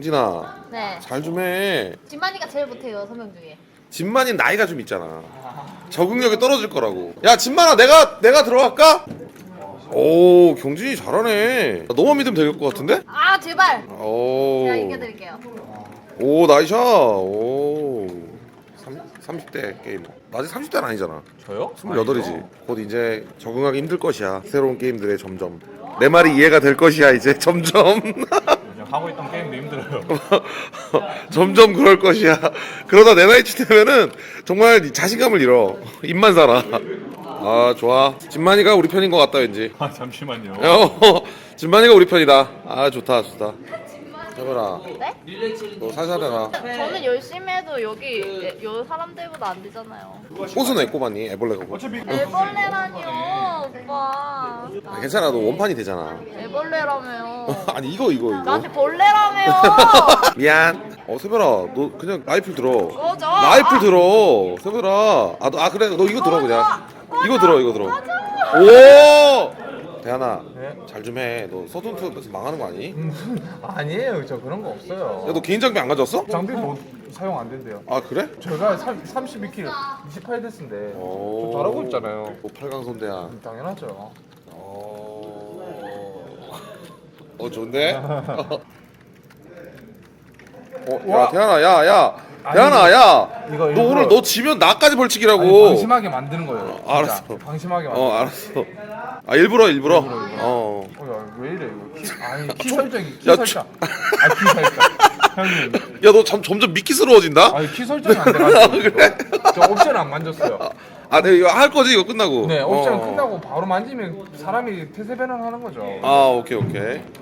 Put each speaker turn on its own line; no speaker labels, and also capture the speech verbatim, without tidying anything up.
경진아
네.
잘 좀 해.
진만이가 제일 못해요 서명 중에.
진만이 나이가 좀 있잖아. 적응력이 떨어질 거라고. 야 진만아 내가 내가 들어갈까? 오 경진이 잘하네. 너만 믿으면 될 것 같은데?
아 제발.
오.
제가 이겨드릴게요.
오 나이샷. 오. 삼십 대 게이머. 나 아직 삼십 대는 아니잖아.
저요?
스물여덟이지. 곧 이제 적응하기 힘들 것이야. 새로운 게임들에 점점. 내 말이 이해가 될 것이야 이제 점점.
요즘 하고 있던 게임도 힘들어요.
점점 그럴 것이야. 그러다 내 나이쯤 되면은 정말 자신감을 잃어. 입만 살아. 아 좋아. 진만이가 우리 편인 것 같다 왠지.
아 잠시만요.
어, 진만이가 우리 편이다. 아 좋다 좋다. 해보라.
네?
너 살살 해라.
저는 열심히 해도 여기 요 사람들보다 안 되잖아요.
꽃은 왜 꼽았니? 애벌레가 꼽.
애벌레라니요 오빠.
아, 괜찮아 너 원판이 되잖아.
애벌레라며요.
아니 이거 이거 이거.
나한테 벌레라며요.
미안. 어 세별아 너 그냥 라이플 들어.
꺼져.
라이플 들어. 세별아. 아, 너, 아 그래 너 이거 들어 그냥. 이거 들어 이거 들어. 오. 대한아
네?
잘 좀 해. 너 서든투에서 망하는 거 아니?
아니에요, 저 그런 거 없어요.
야 너 개인 장비 안 가져왔어?
장비 뭐 사용 안 된대요.
아 그래?
제가 삼십이 킬로, 이십팔 데스인데
오.
저 잘하고 있잖아요.
뭐 팔강손대야.
당연하죠.
어. 어 좋은데? 어, 야
와.
대한아 야 야.
아니,
대한아 야.
이거
너
일부러-
오늘 너 지면 나까지 벌칙이라고.
아니, 방심하게 만드는 거예요. 진짜.
알았어.
방심하게 만드는
어
거예요.
알았어. 아 일부러 일부러.
일부러, 일부러.
어.
어, 야, 왜 이래 이거? 키, 아니 키 설정이 키
야,
설정. 아 키 설정. 형님.
야 너 점점 미끼스러워진다.
아니 키 설정이 안 돼가지고.
그래?
저 옵션 안 만졌어요.
아 내가 이거 할 거지 이거 끝나고.
네, 옵션
어.
끝나고 바로 만지면 사람이 태세 변환하는 거죠.
아 오케이 오케이.